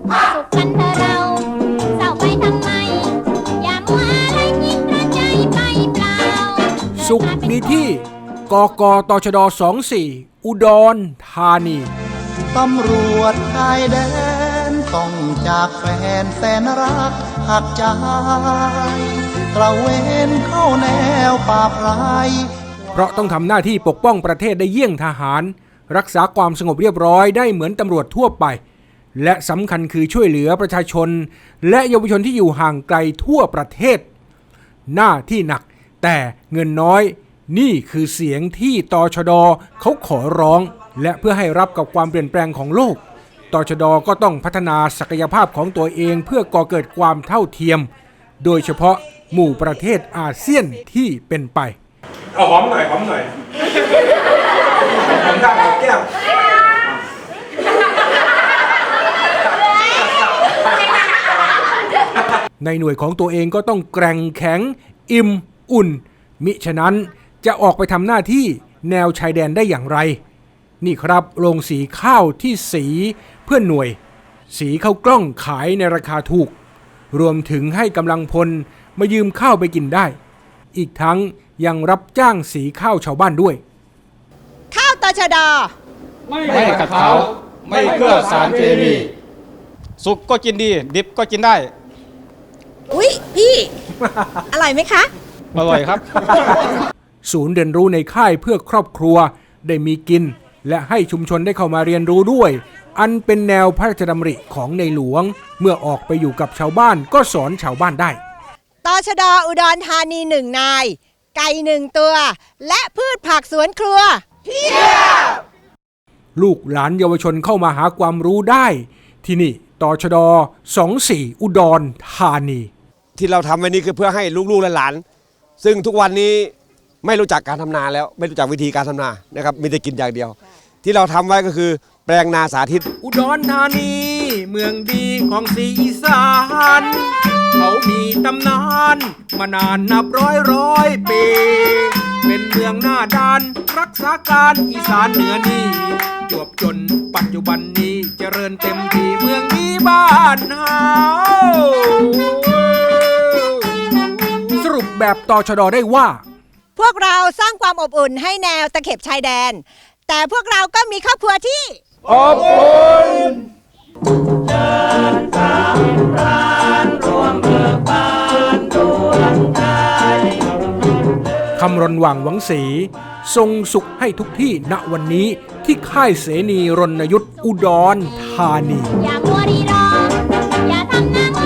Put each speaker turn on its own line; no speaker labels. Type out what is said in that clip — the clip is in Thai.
สุขกันเถอะเราเศร้าไปทำไมอย่ามัวอะไรยิ่งกระใจไปเปล่า
สุขมีที่กกตชด24อุดรธานี
ตำรวจชายแดนต้องจากแฟนแสนรักหักใจตระเวนเข้าแนวป่าไพร
เพราะต้องทำหน้าที่ปกป้องประเทศได้เยี่ยงทหารรักษาความสงบเรียบร้อยได้เหมือนตำรวจทั่วไปและสำคัญคือช่วยเหลือประชาชนและเยาวชนที่อยู่ห่างไกลทั่วประเทศหน้าที่หนักแต่เงินน้อยนี่คือเสียงที่ตชดเขาขอร้องและเพื่อให้รับกับความเปลี่ยนแปลงของโลกตชดก็ต้องพัฒนาศักยภาพของตัวเองเพื่อก่อเกิดความเท่าเทียมโดยเฉพาะหมู่ประเทศอาเซียนที่เป็นไป
เอาหอมหน่อยหอมหน่อยหอมข้างหอมแก้ม
ในหน่วยของตัวเองก็ต้องแกร่งแข็งอิ่มอุ่นมิฉะนั้นจะออกไปทำหน้าที่แนวชายแดนได้อย่างไรนี่ครับโรงสีข้าวที่สีเพื่อหน่วยสีข้าวกล้องขายในราคาถูกรวมถึงให้กำลังพลมายืมข้าวไปกินได้อีกทั้งยังรับจ้างสีข้าวชาวบ้านด้วย
ข้าวตชด
ไม่ขัดเขาไม่เคลือบสารเคมีสุกก็กินดีดิบก็กินได้
อุ๊ยพี่ อร่อยไหมคะ
อร่อยครับ
ศูนย์เรียนรู้ในค่ายเพื่อครอบครัวได้มีกินและให้ชุมชนได้เข้ามาเรียนรู้ด้วยอันเป็นแนวพระราชดำริของในหลวงเมื่อออกไปอยู่กับชาวบ้านก็สอนชาวบ้านได้
ตชดอุดรธานี1นายไก่1ตัวและพืชผักสวนครัวเพียบ
ลูกหลานเยาวชนเข้ามาหาความรู้ได้ที่นี่ตชด24อุดรธานี
ที่เราทำไว้นี้คือเพื่อให้ลูกๆและหลานซึ่งทุกวันนี้ไม่รู้จักการทำนาแล้วไม่รู้จักวิธีการทำนานะครับมีแต่กินอย่างเดียวที่เราทำไว้ก็คือแปลงนาสาธิต
อุดรธานีเมืองดีของศรีอีสานเขามีตำนานมานานนับร้อยปีเป็นเมืองหน้าด้านรักษาการอีสานเหนือนี่จวบจนปัจจุบันนี้เจริญเต็มที่เมืองนี้บ้านเฮาสรุปแบบตชดได้ว่า
พวกเราสร้างความอบอุ่นให้แนวตะเข็บชายแดนแต่พวกเราก็มีครอบครัวที่
อบอุ่น
เดินตามพรานรวมเบิกบานดวงใจ
คำรณหว่างหวังศรีทรงสุขให้ทุกที่ณวันนี้ที่ค่ายเสนีรณยุทธอุดรธานี
อย่ามัวรีรออย่าทำหน้า